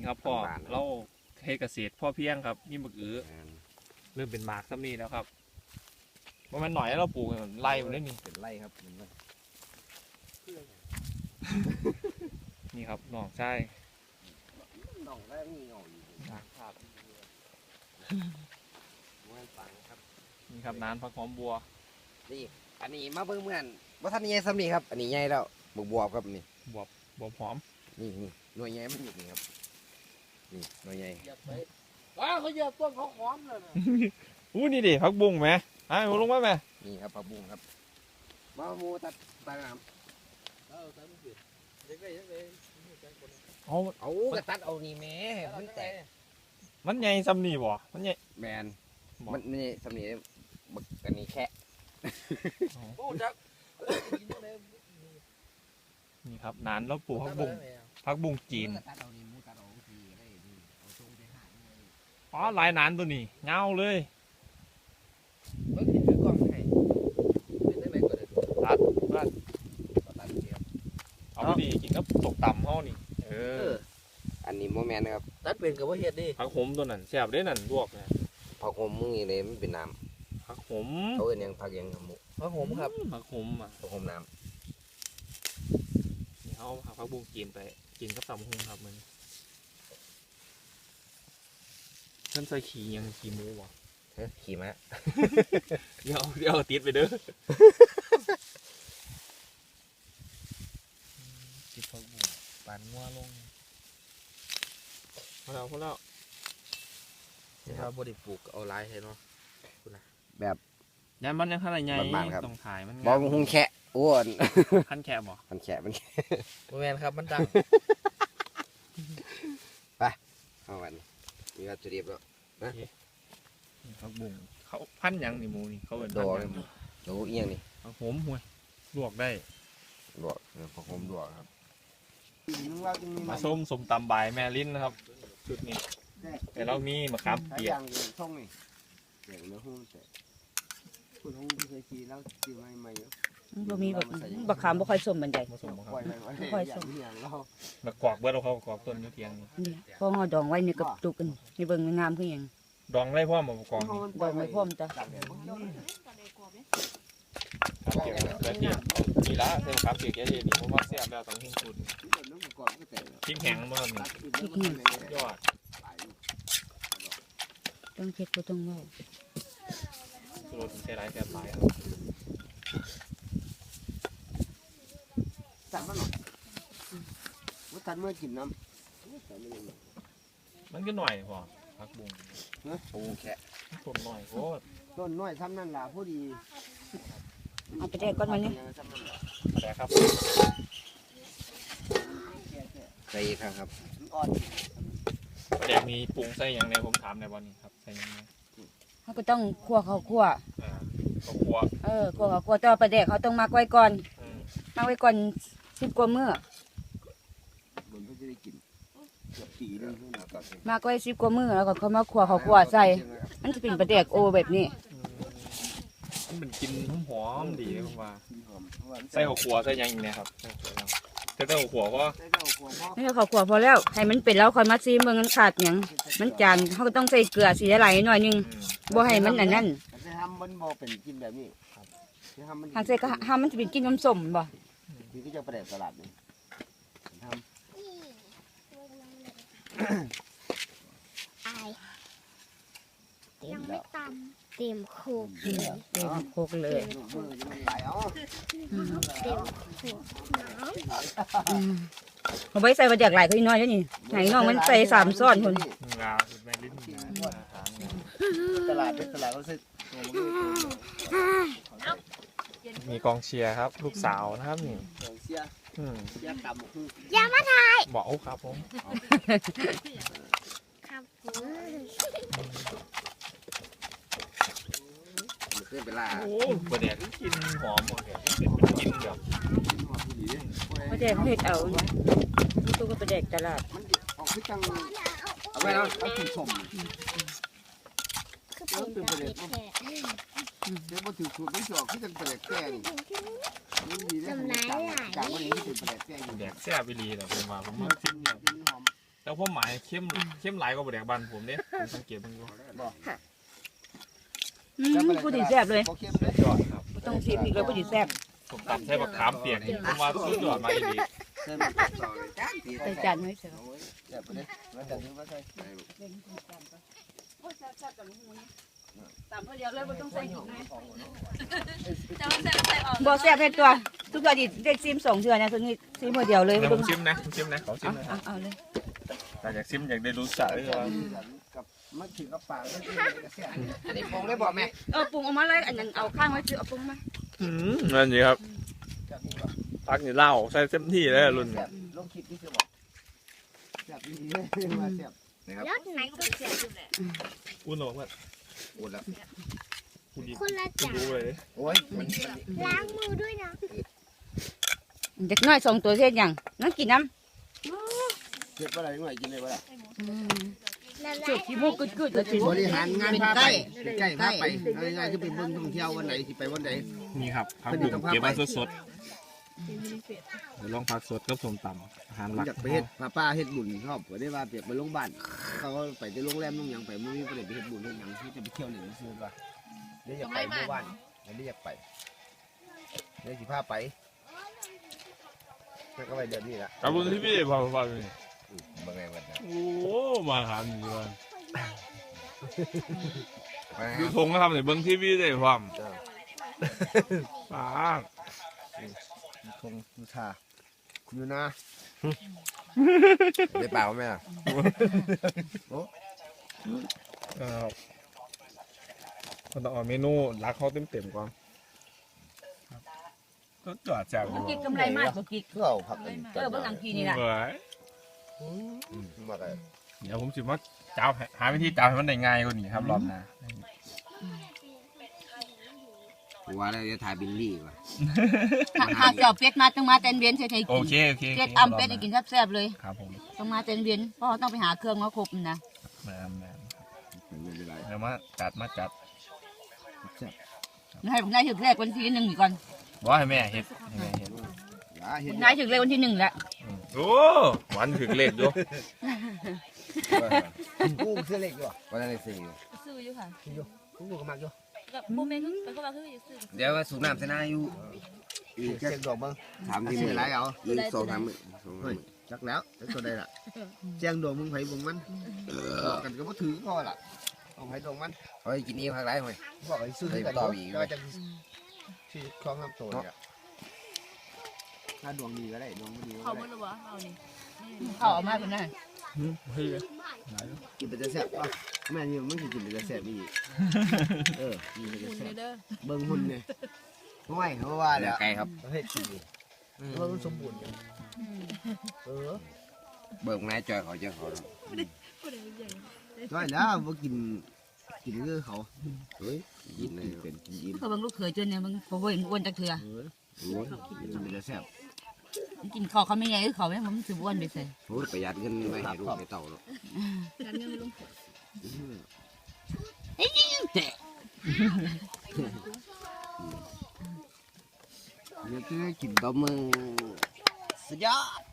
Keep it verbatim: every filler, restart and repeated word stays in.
นี่ครับพ่อเราเฮ็ดเกษตรพ่อเพียงครับนี่มะเขือเริ่มเป็นหมากซ้ำนี่แล้วครับว่ามันหน่อยแล้วเราปลูกไล่มันได้นี่เป็นไร่ครับนี่ครับน้องใช่น้องแรกมีเงาอยู่ครับนี่ครับน้ำผักหอมบัวนี่อันนี้มาเบิ่งเหมือนว่าท่านใหญ่ซ้ำนี่ครับอันนี้ใหญ่แล้วบวบบวบครับนี่บวบบวบหอมนี่นี่หน่วยใหญ่มันอยู่นี่ครับนี่หน่วยใหญ่ว้าเขาเหยียบต้นเขาหอมเลยนะอู้นี่ดิผักบุ้งไหมอ่ะลงมาไหมนี่ครับผักบุ้งครับมาโมตัดตาน้ำเอาเอากระตัดเอานี่แม่มันแตกมันใหญ่ซ้ำนี่บ่มันใหญ่แมนมันนี่ซ้ำนี่บักอันนี้แค่นี่ครับนานแล้วปลูกผักบุ้งผักบุ้งจีนอ๋อลายนานตัวนี้เงาเลยตัดตัดเอาดีกินก็ตกต่ำเขานี่เอออันนี้โมแมนนะครับตัดเป็นกับว่าเห็ดดิผักหอมตัวนั้นแซ่บได้นั่นลวกนะผักหอมมึงนี่เลยมันเป็นน้ำผักหอมเขาเอ็นยังผักยังหมูผักหอมครับผักหอมอ่ะผักหอมน้ำนี่เขาผักบุ้งกินไปกินกับตำหุงครับมันท่านใส่ขี่ยังขี่หมูวะเฮ้ยขี่ม้าเดี๋ยวเดี๋ยวติดไปเด้อติดผักบุ้งปานงัวลงพอแล้วพอแล้วที่เราบริปลูกเอาลายให้เนาะแบบยันมันยังขนาดใหญ่ต้องถ่ายมันบอลหุงแค่อ้วนพันแค่บ่พันแค่มันโมแมนครับมันดังไปเอาวันมีวัตถุดิบแล้วนะผักบุ้งเขาพันยังนี่หมูนี่เขาเป็นโดเลยโดเอียงนี่ผักหอมห่วยลวกได้ลวกผักหอมลวกครับมาส้มสมตำใบแม่ลิ้นนะครับชุดนี้แต่เรามีมะขามเปียกช่องนี่เดี๋ยวเนื้อหุ้มเสร็จคุณหุ้มที่เคยขี่แล้วขี่ไม่ไม่เยอะบ่มีแบบบักขามบ่ค่อยสมบันไดบ่สมบ่ค่อยสมมากอกเบิดเอาเขากอกต้นอยู่เทียงนี่พอเฮาดองไว้นี่กับตุกกันนี่เบิ่งงามคือหยังดองได้พร้อมบ่กอกดองไว้พร้อมจ้ะเกี่ยวกับเกี่ยวนี่ละเส้นครับเกี่ยวกับนี่เพราะว่าเสียบแล้วต้องหิ้งสุดทิ้งแข็งบ่ครับนี่ยอดต้องเช็ดบ่ต้องเว้าสุดใช้หลายแซ่บหลายครับสั่งมาหน่อยว่าตัดเมื่อกินน้ำมันก็หน่อยพอผักบุ้งปูแค่ต้นหน่อยโคตรต้นน้อยซ้ำนั่นล่ะพอดีเอาไปแดกก่อนมันนี่แดกครับใส่ครับครับแดกมีปรุงใส่อย่างไรผมถามในวันนี้ครับใส่ยังไงเขาก็ต้องคั่วข้าวคั่วอ่าข้าวคั่วเออคั่วข้าวคั่วแต่ว่าปลาแดกเขาต้องมักไว้ก่อนมักไว้ก่อนสิบกว่ามื้อมักไว้สิบกว่ามื้อแล้วก็เขามาคั่วข้าวคั่วใส่มันจะเป็นปลาแดกโอแบบนี้มันเป็นกินหอมดีเลยผมว่าใส่ข้าวคั่วใส่ยังอีกเนี่ยครับใส่ข้าวคั่วก็ให้ข้าวคั่วพอแล้วให้มันเป็นแล้วค่อยมาซีเมืองมันขาดอย่างมันจางเขาก็ต้องใส่เกลือสีไหลหน่อยนึงบ่ให้มันอันนั้นจะทำมันบ่เป็นกินแบบนี้ทางใส่ก็ทำมันจะเป็นกินน้ำส้มบ่นี่ก็จะประเดี๋ยวตลาดนี่ทำเต็มไม่ตำเต็มโคกเต็มโคกเลยเต็มโคกน้ำเอาไว้ใส่ปลาแดกหลายก็น้อยแล้วนี่ไหนน้องมันใส่สามซ้อนคนงาแม่ลิ้นตลาดเป็นตลาดเขาซื้อมีกองเชียร์ครับลูกสาวนะครับนี่กองเชียร์ยาต่ำยามาทายบอกครับผมครับขึ้นไปล่าโอ้ประเดี๋ยวกินหอมหมดเลยเป็นกินแบบปลาแดกเผ็ดเอาตู้ก็ปลาแดกตลาดมันออกขึ้นจังเอาไว้แล้วเอาถึงสมคือเป็นประเด็นเดี๋ยวพอถึงสูตรไม่จอกขึ้นจังประเด็นแก่นี่ดีเลยจากจากวันนี้ที่เป็นประเด็นแก่แดกแซ่บไปรีเลยผมว่าผมมาชิมเนี่ยแต่แล้วผมหมายเข้มเข้มหลายกว่าบะแดกบานผมเนี่ยผมสังเกตมันอยู่อืมผู้ดีแซ่บเลยเขาเข้มเลยยอดครับบ่ต้องชิมอีกเลยผู้ดีแซ่บผมตำใช้บักขามเปียกนี่ผมว่าสุดยอดมาอีกเส้นมันสองจานตีใส่จานให้เสร็จแซ่บไปเลยมาจากนี้มาใส่ตามเพื่อเดียวเลยบ่ต้องใส่อีกนะบ่แซ่บให้ตัวทุกอย่างดิได้ซิมสองเทื่อนะตัวนี้ซิมเพื่อเดียวเลยเดี๋บ่ยวผต้องมชิมนะผมชิมนะขอชิมนะเอาเอาเลยแต่อยากชิมอยากได้รู้สักด้วยว่ากับมันถึงกับปากแล้วที่กระเสียอันนี้ปรุงได้บอกแม่เออปรุงออกมาเลยอันนั้นเอาข้างไว้คือเอาปรุงมาอืมนั่นสิครับพักนี่เหล้าใส่เต็มที่เลยรุ่นลงคลิปนี่คือบอกแซ่บดีเลยมาแซ่บนะครับยอดไหนก็เสียอยู่แหละอุ่นหรอว่าอุ่นแล้วคุณดีคนละคุณจานรู้เลยโอ้ยมันล้างมือด้วยนะเด็กน้อยสองตัวเฮ็ดหยังนั่งกินน้เก็บอะไรหน่อยกินเลยว่าำละลาจุยดขี้มูกกึดๆแล้วกินบริหารงานพาไปใกล้พาไปง่ายๆคือไปเบิ่งท่องเที่ยววันไหนที่ไปวันไหนนี่ครับผักบุ้งเก็บมาสดๆเดี๋ยวลองผักสดกับส้มตำอาหารหลักอยากไปเฮ็ดป้าป้าเฮ็ดบุญชอบก็ได้ว่าเปียกไปโรงพยาบาลเขาก็ไปที่โรงแรมโรงหยังไปไม่มีประเด็นไปเฮ็ดบุญเฮ็ดหยังที่จะไปเที่ยวหนึ่งซื้อว่าเดี๋ยวอยากไปเมื่อวานเดี๋ยวอยากไปเดี๋ยวสิพาไปแล้วก็ไปเดือนนี้ละขอบคุณที่พี่พาไปเมื่อไงวันนั้นโอ้มาหาหนึ่งวันมายูทงก็ทำในเบิ้งทีวีได้ความป้าทงยูทาอยู่นะได้เปล่าไหมอ่ะครับก็ต้องเอาเมนูรักเขาเต็มๆก่อนก็จอดจากกิ๊กกำไรมากบ่กิ๊กเพื่อเอาผักกันเออเบิ่งหลังพี่นี่ล่ะเฮ้ยมาเลยเดี๋ยวผมสิว่าจ้าหาวิธีจ้าให้มันได้ง่ายกว่านี้ครับรอบหน้าว่าแล้วจะถ่ายบิลลี่ว่ะถ้าถ้าเจ้าเป็ดมาต้องมาเต้นเวียนใส่ให้โอกินเคโอเคเป็ดอำเป็ดให้กินแซ่บๆเลยครับผมต้องมาเต้นเวียนเพราะเขาต้องไปหาเครื่องมาครบนะแม่แม่ไม่เป็นไรเดี๋ยวมาจัดมาจัดให้ผมได้ถึงแรกวันที่หนึ่งนี่ก่อนบอกให้แม่เห็ดให้แม่เห็ดอย่าเห็ผนมได้ถึงเลขวันที่หนึ่งแล้วโอ้หวานถึงเลขด้วยกูเสื้อเล็กอยู่วันนั้นได้สี่ซื้ออยู่ค่ะกูก็มักอยู่กับโมเมนต์ก็ก็ว่าคืออยู่ซื้อเดี๋ยวว่าสูบน้ำใส่หน้าอยู่อีกเช็คดอกบ้างถามที่มือไรเอาอีกสองสามมือสองสามเฮ้ยมือจักแล้วจักตัวใดล่ะแจ้งดวงมึงไผบุงมันบอกกันก็บ่ถือพอล่ะเอาไผดวงมันเฮ้ยกินนี้พักไรเฮ้ยบอกไอ้ซื้อกันก็จะที่คล้องน้ำตัวเนี่ยถ้าดวงดีก็ได้ดวงไม่ดีก็เขาได้เมื่อหรือวะเอานี่เขาเออกมาคนนั้นเฮ้ยกินไปจะแซ่บป่ะแม่นี่มันกินไปจะแซ่บอีกเออกินไปจะคุณแซ่บเด้อเบิ่งหุ่นเนี่ยไม่เขาว่าเดี๋แล้ยววไกลครับประเภทสี่เออสมบูรณ์เออเบิกนายจอยเขาเจอเขาจ้อยแล้วบ่กินกินคือเขาเฮ้ยกินเลยเป็นกินอิ่มเขาเบิ่งลูกเขยจนเนี่ยมึงเขาบ่เห็นอ้วนจักเถื่อเออโอ้ยกินไปจะแซ่บกินข้าวเขาไม่ใหญ่คือเขาเนี่ยมันสิอ้วนไปใส่โอ้ยประหยัดเงินไปให้ลูกให้เต่าเนาะการเงินไม่ลงเนี่ยคือกินตบมือสุดยอด